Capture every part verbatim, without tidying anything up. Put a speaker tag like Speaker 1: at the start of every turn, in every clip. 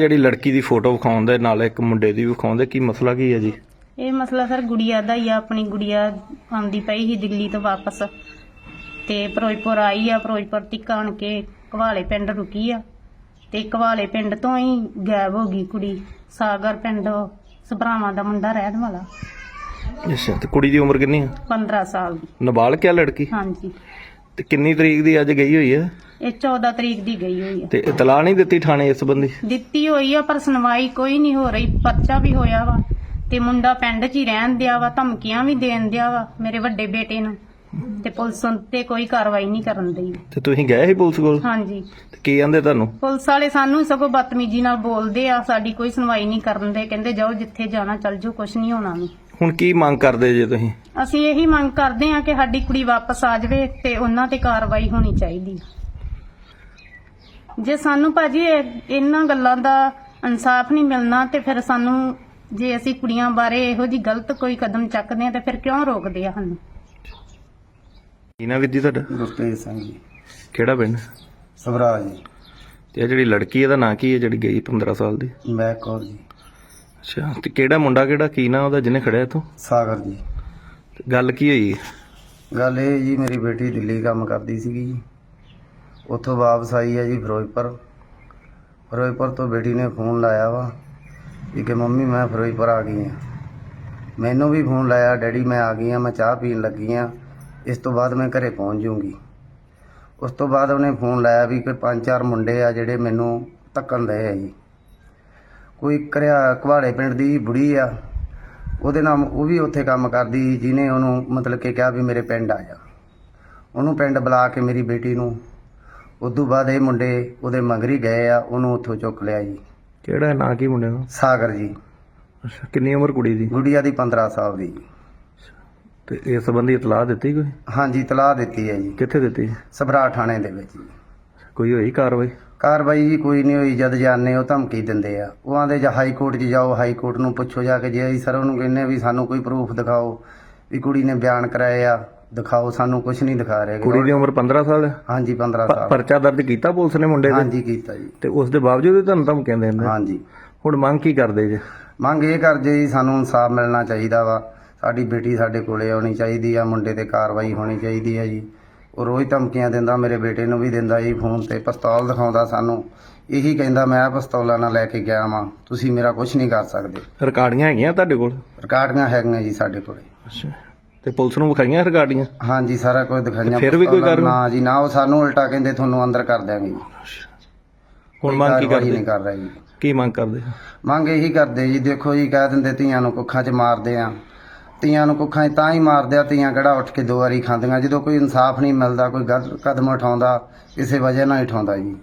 Speaker 1: ਜਿਹੜੀ ਲੜਕੀ ਦੀ ਫੋਟੋ ਵਿਖਾਉਂਦੇ ਨਾਲ ਇੱਕ ਮੁੰਡੇ ਦੀ ਵਿਖਾਉਂਦੇ, ਕੀ ਮਸਲਾ ਕੀ ਹੈ ਜੀ?
Speaker 2: ਇਹ ਮਸਲਾ ਸਰ ਗੁੜੀਆ ਦਾ ਹੀ ਆ। ਆਪਣੀ ਗੁੜੀਆ ਆਉਂਦੀ ਪਈ ਸੀ ਦਿੱਲੀ ਤੋਂ ਵਾਪਸ ਤੇ ਫਿਰੋਜ਼ਪੁਰ ਆਈ ਆ। ਫਿਰੋਜ਼ਪੁਰ ਤੱਕ ਆਣ ਕੇ ਘਵਾਲੇ ਪਿੰਡ ਰੁਕੀ ਆ ਤੇ ਘਵਾਲੇ ਪਿੰਡ ਤੋਂ ਹੀ ਗਾਇਬ ਹੋ ਗਈ ਕੁੜੀ। ਸਾਗਰ ਪਿੰਡ ਸਭਰਾਵਾਂ ਦਾ ਮੁੰਡਾ ਰਹਿਣ ਵਾਲਾ।
Speaker 1: ਅੱਛਾ, ਤੇ ਕੁੜੀ ਦੀ ਉਮਰ ਕਿੰਨੀ ਹੈ?
Speaker 2: ਪੰਦਰਾਂ ਸਾਲ ਦੀ।
Speaker 1: ਨਾਬਾਲਗ ਹੈ ਲੜਕੀ?
Speaker 2: ਹਾਂਜੀ।
Speaker 1: ਤੇ ਕਿੰਨੀ ਤਰੀਕ ਦੀ ਅੱਜ ਗਈ ਹੋਈ ਹੈ?
Speaker 2: ਇਹ ਚੌਦਾਂ ਤਰੀਕ ਦੀ ਗਈ ਹੋਈ ਆ।
Speaker 1: ਤੇ ਇਤਲਾਹ ਨਹੀਂ ਦਿੱਤੀ ਥਾਣੇ ਇਸ ਸੰਬੰਧੀ?
Speaker 2: ਦਿੱਤੀ ਹੋਈ ਆ ਪਰ ਸੁਣਵਾਈ ਕੋਈ ਨਹੀਂ ਹੋ ਰਹੀ। ਪਰਚਾ ਵੀ ਹੋਇਆ ਵਾ ਤੇ ਮੁੰਡਾ ਪਿੰਡ 'ਚ ਹੀ ਰਹਿਣ ਦਿਆ ਵਾ, ਧਮਕੀਆਂ ਵੀ ਦੇਣ ਦਿਆ ਵਾ ਮੇਰੇ ਵੱਡੇ ਬੇਟੇ ਨੂੰ, ਤੇ ਪੁਲਿਸ ਤੇ ਕੋਈ ਕਾਰਵਾਈ ਨਹੀਂ ਕਰਨ ਦਈ।
Speaker 1: ਤੇ ਤੁਸੀਂ ਗਏ ਸੀ ਪੁਲਿਸ ਕੋਲ?
Speaker 2: ਹਾਂਜੀ।
Speaker 1: ਤੇ ਕੀ ਕਹਿੰਦੇ ਤੁਹਾਨੂੰ?
Speaker 2: ਪੁਲਿਸ ਵਾਲੇ ਸਾਨੂੰ ਸਗੋਂ ਬਦਤਮੀਜ਼ੀ ਨਾਲ ਬੋਲਦੇ ਆ, ਸਾਡੀ ਕੋਈ ਸੁਣਵਾਈ ਨਹੀਂ ਕਰਨ ਦੇ। ਕਹਿੰਦੇ ਜਾਓ ਜਿੱਥੇ ਜਾਣਾ ਚੱਲ ਜਾਓ, ਕੁਛ ਨਹੀਂ ਹੋਣਾ ਵੀ।
Speaker 1: ਹੁਣ ਕੀ ਮੰਗ ਕਰਦੇ ਜੇ ਤੁਸੀਂ?
Speaker 2: ਅਸੀਂ ਇਹੀ ਮੰਗ ਕਰਦੇ ਆ ਕਿ ਸਾਡੀ ਕੁੜੀ ਵਾਪਸ ਆ ਜਾਵੇ ਤੇ ਉਹਨਾਂ ਤੇ ਕਾਰਵਾਈ ਹੋਣੀ ਚਾਹੀਦੀ। ਜੇ ਸਾਨੂੰ ਭਾਜੀ ਇਹ- ਇਹਨਾਂ ਗੱਲਾਂ ਦਾ ਇਨਸਾਫ ਨਹੀਂ ਮਿਲਣਾ ਤੇ ਫਿਰ ਸਾਨੂੰ, ਜੇ ਅਸੀਂ ਕੁੜੀਆਂ ਬਾਰੇ ਇਹੋ ਜੀ ਗਲਤ ਕੋਈ ਕਦਮ ਚੱਕਦੇ ਆ ਤੇ ਫਿਰ ਕਿਉਂ ਰੋਕਦੇ ਆ ਸਾਨੂੰ?
Speaker 1: ਕੀ ਨਾ ਵਿਧੀ ਤੁਹਾਡਾ?
Speaker 3: ਗੁਰਤੇਜ ਸਿੰਘ ਜੀ,
Speaker 1: ਕਿਹੜਾ ਪਿੰਡ?
Speaker 3: ਸਭਰਾ ਜੀ।
Speaker 1: ਤੇ ਇਹ ਜਿਹੜੀ ਲੜਕੀ ਇਹਦਾ ਨਾਂ ਕੀ ਹੈ ਜਿਹੜੀ ਗਈ ਪੰਦਰਾਂ ਸਾਲ ਦੀ?
Speaker 3: ਮੈਂ ਕੌਰ ਜੀ।
Speaker 1: ਅੱਛਾ, ਤੇ ਕਿਹੜਾ ਮੁੰਡਾ ਕਿਹੜਾ ਕੀ ਨਾ ਉਹਦਾ ਜਿਹਨੇ ਖੜਿਆ ਇੱਥੋਂ?
Speaker 3: ਸਾਗਰ ਜੀ।
Speaker 1: ਤੇ ਗੱਲ ਕੀ ਹੋਈ?
Speaker 3: ਗੱਲ ਇਹ ਜੀ, ਮੇਰੀ ਬੇਟੀ ਦਿੱਲੀ ਕੰਮ ਕਰਦੀ ਸੀਗੀ ਜੀ, ਉੱਥੋਂ ਵਾਪਸ ਆਈ ਹੈ ਜੀ ਫਿਰੋਜ਼ਪੁਰ। ਫਿਰੋਜ਼ਪੁਰ ਤੋਂ ਬੇਟੀ ਨੇ ਫੋਨ ਲਾਇਆ ਵਾ ਵੀ ਕਿ ਮੰਮੀ ਮੈਂ ਫਿਰੋਜ਼ਪੁਰ ਆ ਗਈ ਹਾਂ। ਮੈਨੂੰ ਵੀ ਫੋਨ ਲਾਇਆ, ਡੈਡੀ ਮੈਂ ਆ ਗਈ ਹਾਂ, ਮੈਂ ਚਾਹ ਪੀਣ ਲੱਗੀ ਹਾਂ, ਇਸ ਤੋਂ ਬਾਅਦ ਮੈਂ ਘਰੇ ਪਹੁੰਚ ਜਾਊਂਗੀ। ਉਸ ਤੋਂ ਬਾਅਦ ਉਹਨੇ ਫੋਨ ਲਾਇਆ ਵੀ ਕੋਈ ਪੰਜ ਚਾਰ ਮੁੰਡੇ ਆ ਜਿਹੜੇ ਮੈਨੂੰ ਧੱਕਣ ਰਹੇ ਆ ਜੀ। ਕੋਈ ਕਰਿਆ ਘਵਾੜੇ ਪਿੰਡ ਦੀ ਬੁੜੀ ਆ, ਉਹਦੇ ਨਾਲ ਉਹ ਵੀ ਉੱਥੇ ਕੰਮ ਕਰਦੀ, ਜਿਹਨੇ ਉਹਨੂੰ ਮਤਲਬ ਕਿ ਕਿਹਾ ਵੀ ਮੇਰੇ ਪਿੰਡ ਆ ਜਾ। ਉਹਨੂੰ ਪਿੰਡ ਬੁਲਾ ਕੇ ਮੇਰੀ ਬੇਟੀ ਨੂੰ, ਉਦੋਂ ਬਾਅਦ ਇਹ ਮੁੰਡੇ ਉਹਦੇ ਮਗਰੀ ਗਏ ਆ, ਉਹਨੂੰ ਉੱਥੋਂ ਚੁੱਕ ਲਿਆ ਜੀ।
Speaker 1: ਕਿਹੜਾ ਨਾਂ ਕੀ ਮੁੰਡੇ ਦਾ?
Speaker 3: ਸਾਗਰ ਜੀ।
Speaker 1: ਅੱਛਾ, ਕਿੰਨੀ ਉਮਰ ਕੁੜੀ ਦੀ?
Speaker 3: ਗੁੜੀਆ ਦੀ ਪੰਦਰਾਂ ਸਾਲ ਦੀ।
Speaker 1: ਤੇ ਇਸ ਸੰਬੰਧੀ ਇਤਲਾਹ ਦਿੱਤੀ ਕੋਈ?
Speaker 3: ਹਾਂਜੀ, ਤਲਾਹ ਦਿੱਤੀ ਹੈ ਜੀ,
Speaker 1: ਕਿੱਥੇ ਦਿੱਤੀ?
Speaker 3: ਸਭਰਾ ਥਾਣੇ ਦੇ ਵਿੱਚ ਜੀ।
Speaker 1: ਕੋਈ ਹੋਈ ਕਾਰਵਾਈ?
Speaker 3: ਕਾਰਵਾਈ ਜੀ ਕੋਈ ਨਹੀਂ ਹੋਈ। ਜਦ ਜਾਣੇ ਉਹ ਧਮਕੀ ਦਿੰਦੇ ਆ, ਉਹ ਆਂਦੇ ਜਾਂ ਹਾਈ ਕੋਰਟ 'ਚ ਜਾਓ, ਹਾਈ ਕੋਰਟ ਨੂੰ ਪੁੱਛੋ ਜਾ ਕੇ। ਜੇ ਅਸੀਂ ਸਰ ਉਹਨੂੰ ਕਹਿੰਦੇ ਵੀ ਸਾਨੂੰ ਕੋਈ ਪ੍ਰੂਫ ਦਿਖਾਓ ਵੀ ਕੁੜੀ ਨੇ ਬਿਆਨ ਕਰਾਏ ਆ, ਦਿਖਾਓ, ਸਾਨੂੰ ਕੁਝ ਨਹੀਂ ਦਿਖਾ ਰਹੇ।
Speaker 1: ਕੁੜੀ ਦੀ ਉਮਰ ਪੰਦਰਾਂ ਸਾਲ ਹੈ?
Speaker 3: ਹਾਂਜੀ, ਪੰਦਰਾਂ ਸਾਲ।
Speaker 1: ਪਰਚਾ ਦਰਜ ਕੀਤਾ ਪੁਲਿਸ ਨੇ ਮੁੰਡੇ ਦੇ?
Speaker 3: ਹਾਂਜੀ, ਕੀਤਾ ਜੀ।
Speaker 1: ਤੇ ਉਸ ਦੇ ਬਾਵਜੂਦ ਵੀ ਤੁਹਾਨੂੰ ਧਮਕੀਆਂ ਦਿੰਦੇ?
Speaker 3: ਹਾਂਜੀ।
Speaker 1: ਹੁਣ ਮੰਗ ਕੀ ਕਰਦੇ ਜੇ?
Speaker 3: ਮੰਗ ਇਹ ਕਰਦੇ ਜੀ, ਸਾਨੂੰ ਇਨਸਾਫ ਮਿਲਣਾ ਚਾਹੀਦਾ ਵਾ। ਸਾਡੀ ਬੇਟੀ ਸਾਡੇ ਕੋਲੇ ਆਉਣੀ ਚਾਹੀਦੀ ਆ, ਮੁੰਡੇ ਤੇ ਕਾਰਵਾਈ ਹੋਣੀ ਚਾਹੀਦੀ ਆ ਜੀ। ਉਹ ਰੋਜ਼ ਧਮਕੀਆਂ ਦਿੰਦਾ, ਮੇਰੇ ਬੇਟੇ ਨੂੰ ਵੀ ਦਿੰਦਾ ਜੀ, ਫੋਨ ਤੇ ਪਿਸਤੌਲ ਦਿਖਾਉਂਦਾ ਸਾਨੂੰ। ਇਹੀ ਕਹਿੰਦਾ ਮੈਂ ਪਿਸਤੌਲਾਂ ਨਾਲ ਲੈ ਕੇ ਗਿਆ ਵਾਂ, ਤੁਸੀਂ ਮੇਰਾ ਕੁਝ ਨਹੀਂ ਕਰ ਸਕਦੇ।
Speaker 1: ਰਿਕਾਰਡੀਆਂ ਹੈਗੀਆਂ ਤੁਹਾਡੇ ਕੋਲ?
Speaker 3: ਰਿਕਾਰਡੀਆਂ ਹੈਗੀਆਂ ਜੀ ਸਾਡੇ ਕੋਲੇ।
Speaker 1: ਅੱਛਾ, ਤੇ ਪੁਲਿਸ ਨੂੰ ਵਿਖਾਈਆਂ ਰਿਕਾਰਡੀਆਂ?
Speaker 3: ਹਾਂਜੀ, ਸਾਰਾ ਕੁਝ ਦਿਖਾਈਆਂ।
Speaker 1: ਫਿਰ ਵੀ ਕੋਈ
Speaker 3: ਪਿਸਤੌਲਾਂ
Speaker 1: ਕਾਰਵਾਈ?
Speaker 3: ਨਾ ਜੀ ਨਾ, ਉਹ ਸਾਨੂੰ ਉਲਟਾ ਕਹਿੰਦੇ ਤੁਹਾਨੂੰ ਅੰਦਰ ਕਰ ਦਿਆਂਗੇ ਜੀ।
Speaker 1: ਹੁਣ ਮੰਗ ਕੀ
Speaker 3: ਕਾਰਵਾਈ
Speaker 1: ਕਰਦੇ?
Speaker 3: ਨਹੀਂ ਕਰ ਰਹੇ ਜੀ।
Speaker 1: ਕੀ ਮੰਗ ਕਰਦੇ?
Speaker 3: ਮੰਗ ਇਹੀ ਕਰਦੇ ਜੀ, ਦੇਖੋ ਜੀ, ਕਹਿ ਦਿੰਦੇ ਧੀਆਂ ਨੂੰ ਕੁੱਖਾਂ 'ਚ ਮਾਰਦੇ ਆ। ਧੀਆਂ ਨੂੰ ਕੁੱਖਾਂ 'ਚ ਤਾਂ ਹੀ ਮਾਰਦੇ ਆ, ਧੀਆਂ ਕਿਹੜਾ ਉੱਠ ਕੇ ਦੋ ਵਾਰੀ ਖਾਂਦੀਆਂ। ਜਦੋਂ ਕੋਈ ਇਨਸਾਫ ਨਹੀਂ ਮਿਲਦਾ, ਕੋਈ ਗਲਤ ਕਦਮ ਉਠਾਉਂਦਾ, ਕਿਸੇ ਵਜ੍ਹਾ ਨਾਲ ਹੀ ਉਠਾਉਂਦਾ ਜੀ।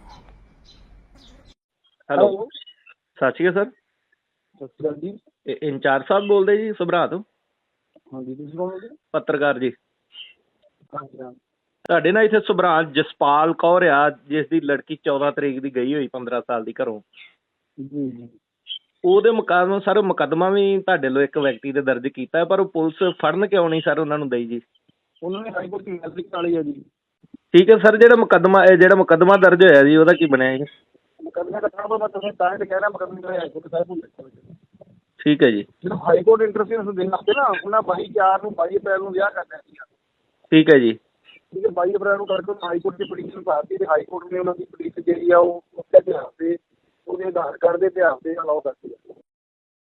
Speaker 1: ਹੈਲੋ, ਸਤਿ ਸ਼੍ਰੀ ਅਕਾਲ ਸਰ।
Speaker 4: ਸਤਿ ਸ਼੍ਰੀ ਅਕਾਲ ਜੀ।
Speaker 1: ਇਹ ਇੰਚਾਰਜ ਸਾਹਿਬ ਬੋਲਦੇ ਜੀ ਸਭਰਾ ਤੋਂ?
Speaker 4: ਹਾਂਜੀ, ਤੁਸੀਂ ਕੌਣ ਬੋਲਦੇ?
Speaker 1: ਪੱਤਰਕਾਰ ਜੀ।
Speaker 4: ਹਾਂਜੀ ਹਾਂ।
Speaker 1: ਤੁਹਾਡੇ ਨਾਲ ਇੱਥੇ ਸਭਰਾ ਜਸਪਾਲ ਕੌਰ ਆ, ਜਿਸ ਦੀ ਲੜਕੀ ਚੌਦਾਂ ਤਰੀਕ ਦੀ ਗਈ ਹੋਈ ਪੰਦਰਾਂ ਸਾਲ ਦੀ ਘਰੋਂ।
Speaker 4: ਜੀ ਜੀ।
Speaker 1: ਉਹਦੇ ਮੁਕਾਬਲੇ ਸਰ ਮੁਕੱਦਮਾ ਵੀ ਤੁਹਾਡੇ ਲੋ ਇੱਕ ਵਿਅਕਤੀ ਦੇ ਦਰਜ ਕੀਤਾ, ਪਰ ਉਹ ਪੁਲਿਸ ਫੜਨ ਕਿਉਂ ਨਹੀਂ ਸਰ ਉਹਨਾਂ ਨੂੰ ਦਈ ਜੀ?
Speaker 4: ਉਹਨਾਂ ਨੇ ਹਾਈ ਕੋਰਟ ਦੀ ਮੈਸੇਜ ਕਾਲੀ ਆ ਜੀ।
Speaker 1: ਠੀਕ ਹੈ ਸਰ, ਜਿਹੜਾ ਮੁਕੱਦਮਾ ਇਹ ਜਿਹੜਾ ਮੁਕੱਦਮਾ ਦਰਜ ਹੋਇਆ ਜੀ, ਉਹਦਾ ਕੀ ਬਣਿਆ ਜੀ?
Speaker 4: ਮੁਕੱਦਮੇ ਦਾ ਕੰਮ ਮੈਂ ਤੁਹਾਨੂੰ ਤਾਂ ਹੀ ਕਹਿ ਰਿਹਾ, ਮੁਕੱਦਮੇ ਦਾ ਹਾਈ ਕੋਰਟ ਸਾਹਿਬ ਨੂੰ ਦੇਖੋ।
Speaker 1: ਠੀਕ ਹੈ ਜੀ।
Speaker 4: ਜਦੋਂ ਹਾਈ ਕੋਰਟ ਇੰਟਰਫੇਰੈਂਸ ਦੇਣ ਲੱਗੇ ਨਾ, ਉਹਨਾਂ ਬਾਈ ਚਾਰ ਨੂੰ ਬਾਈ ਅਪ੍ਰੈਲ ਨੂੰ ਵਿਆਹ ਕਰਨਾ ਸੀਗਾ।
Speaker 1: ਠੀਕ ਹੈ ਜੀ।
Speaker 4: ਠੀਕ ਹੈ, ਬਾਈ ਅਪ੍ਰੈਲ ਨੂੰ ਕਰਕੇ ਹਾਈ ਕੋਰਟ ਦੀ ਪਟੀਸ਼ਨ ਪਾਤੀ ਤੇ ਹਾਈ ਕੋਰਟ ਨੇ ਉਹਨਾਂ ਦੀ ਪਟੀਸ਼ਨ ਜਿਹੜੀ ਆ ਉਹ ਉਹਦੇ ਇਤਿਹਾਸ ਦੇ, ਉਹਦੇ ਆਧਾਰ ਕਾਰਡ ਦੇ ਇਤਿਹਾਸ ਦੇ ਅਲਾਉ ਕਰਤੀ।